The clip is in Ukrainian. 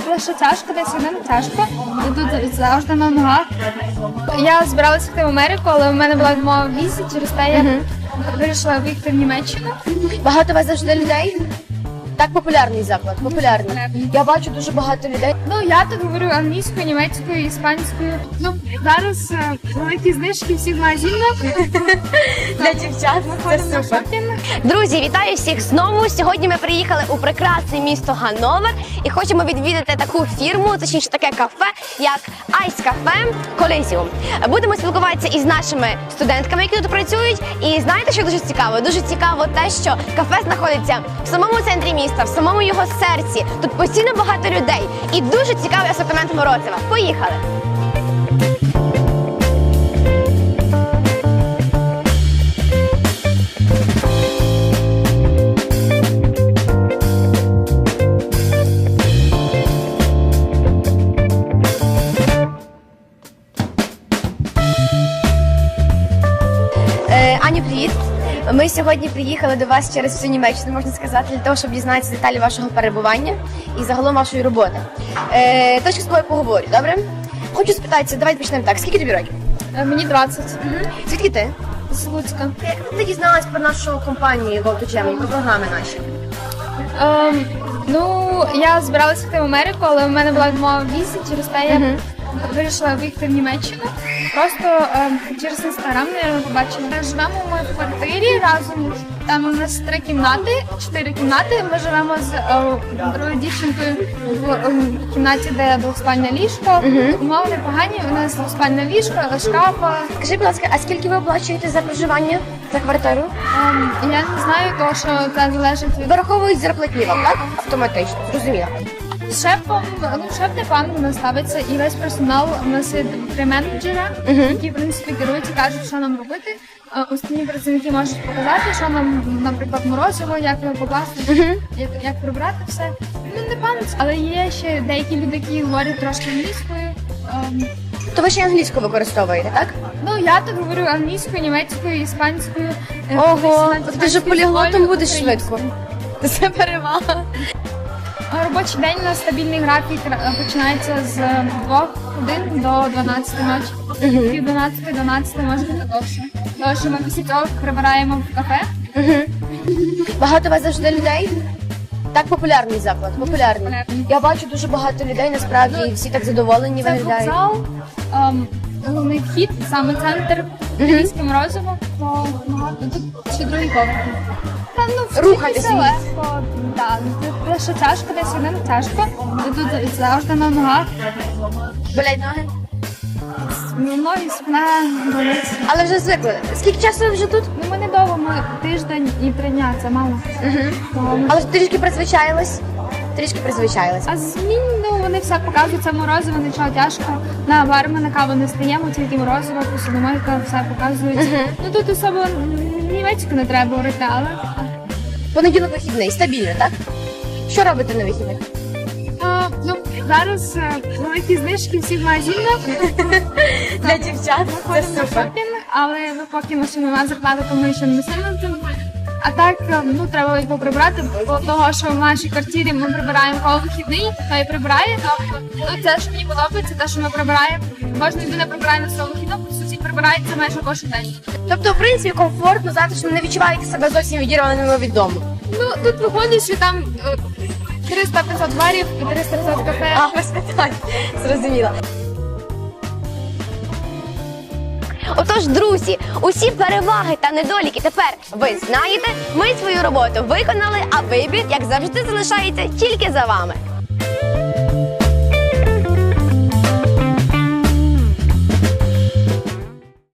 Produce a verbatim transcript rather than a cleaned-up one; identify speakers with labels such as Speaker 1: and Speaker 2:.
Speaker 1: Що тяжко, десь не тяжко. Тут завжди на ногах. Я збиралася йти в Америку, але в мене була відмова в візі, через те я вирішила виїхати в Німеччину.
Speaker 2: Багато у вас завжди людей? Так, популярний заклад, популярний. Я бачу дуже багато людей.
Speaker 1: Ну, я тут говорю англійською, німецькою, іспанською. Ну, зараз е, великі знижки всіх магазинах.
Speaker 2: Для дівчат це супер. Друзі, вітаю всіх знову. Сьогодні ми приїхали у прекрасне місто Ганновер і хочемо відвідати таку фірму, точніше таке кафе, як Ice Cafe Coliseum. Будемо спілкуватися із нашими студентками, які тут працюють. І знаєте, що дуже цікаво? Дуже цікаво те, що кафе знаходиться в самому центрі міста, в самому його серці. Тут постійно багато людей і дуже цікавий асортимент морозива. Поїхали! Е, Аню, привіт! Ми сьогодні приїхали до вас через всю Німеччину, можна сказати, для того, щоб дізнатися деталі вашого перебування і загалом вашої роботи. Е, Трошки з тобою поговорю, добре? Хочу спитатися, давайте почнемо так. Скільки тобі років?
Speaker 1: Е, Мені двадцять.
Speaker 2: Угу. Звідки ти?
Speaker 1: З Луцька.
Speaker 2: Як ти дізналась про нашу компанію Go2Gemini, про програми наші?
Speaker 1: Ем, ну, я збиралася йти в Америку, але в мене була відмова в візі, через те я
Speaker 2: Мгм.
Speaker 1: вирішила виїхати в Німеччину. Просто ем, через інстаграм я побачила. Ми живемо ми в квартирі разом. Там у нас три кімнати, чотири кімнати. Ми живемо з е, другою дівчинкою в е, кімнаті, де двоспальне ліжко.
Speaker 2: Мгм.
Speaker 1: Умови непогані, у нас двоспальне ліжко, шкаф.
Speaker 2: Скажи, будь ласка, а скільки ви оплачуєте за проживання, за квартиру?
Speaker 1: Ем, я не знаю, тому що це залежить від
Speaker 2: Дораховують зарплатні вам, так? Автоматично, зрозуміло.
Speaker 1: З шефом, ну шеф непогано до нас ставиться, і весь персонал у нас є три менеджера,
Speaker 2: Мгм.
Speaker 1: які в принципі керують і кажуть, що нам робити. А Останні працівники можуть показати, що нам, наприклад, морозиво, як його покласти,
Speaker 2: Мгм.
Speaker 1: як, як прибрати все. Ну не пам'ятаю, але є ще деякі люди, які говорять трошки англійською. Ем,
Speaker 2: То ви ще й англійську використовуєте, так?
Speaker 1: ну я тут говорю англійською, німецькою, іспанською. е,
Speaker 2: Ого,
Speaker 1: колись на
Speaker 2: ти ж
Speaker 1: іспанській
Speaker 2: поліглотом
Speaker 1: школі,
Speaker 2: будеш
Speaker 1: українською.
Speaker 2: швидко. Це перевага.
Speaker 1: Робочий день у нас стабільний графік е, починається з двох годин до дванадцяти ночі.
Speaker 2: Мгм.
Speaker 1: Пів дванадцяти, дванадцяти, може бути довше. Тому що ми після цього прибираємо в кафе.
Speaker 2: Угу. Багато у вас завжди людей? Так, популярний заклад, популярний.
Speaker 1: Популярний.
Speaker 2: Я бачу дуже багато людей, насправді, і всі так задоволені
Speaker 1: Це
Speaker 2: виглядають.
Speaker 1: вокзал, ем, головний вхід, саме центр, італійське морозиво. То багато. Тут ще другий поверх. Та, ну,
Speaker 2: Рухатися.
Speaker 1: все легко, так. Це що тяжко, десь не тяжко. Тут завжди на ногах.
Speaker 2: Болять ноги?
Speaker 1: Ну, ноги, спина, болить.
Speaker 2: Але вже звикли. Скільки часу ви вже тут?
Speaker 1: Ну, ми недовго, ми тиждень і три дня, це мало.
Speaker 2: Угу.
Speaker 1: То-
Speaker 2: Але ж трішки призвичаїлись? Трішки призвичаїлись.
Speaker 1: А змін, ну, вони все показують, це морозиво, нічого тяжко. На барми, на каву не стаємо, тільки морозиво, посудомойка, все показують.
Speaker 2: Мгм.
Speaker 1: Ну, тут особо німецьку не треба говорити, але...
Speaker 2: Понеділок вихідний, стабільно, так? Що робите на вихідних?
Speaker 1: А, ну, зараз е, великі знижки всіх магазинах.
Speaker 2: Для дівчат це супер.
Speaker 1: Шопінг, але ну, поки ми ще немає зарплати, то ми ще не сильно тут. А так, е, ну, треба їх поприбрати, бо того, що в нашій квартирі ми прибираємо кого вихідний, то і прибирає. Ну, це, що мені подобається, те, що ми прибираємо. Кожна людина прибирає на свого вихідного, сусід прибирається майже кожен день.
Speaker 2: Тобто, в принципі, комфортно, затишно, не відчуваєте себе зовсім відірваними від дому.
Speaker 1: Ну, тут виходить, що там е, триста-п'ятсот барів і триста-п'ятсот кафе.
Speaker 2: А, без питань. Зрозуміло. Отож, друзі, усі переваги та недоліки тепер ви знаєте. Ми свою роботу виконали, а вибір, як завжди, залишається тільки за вами.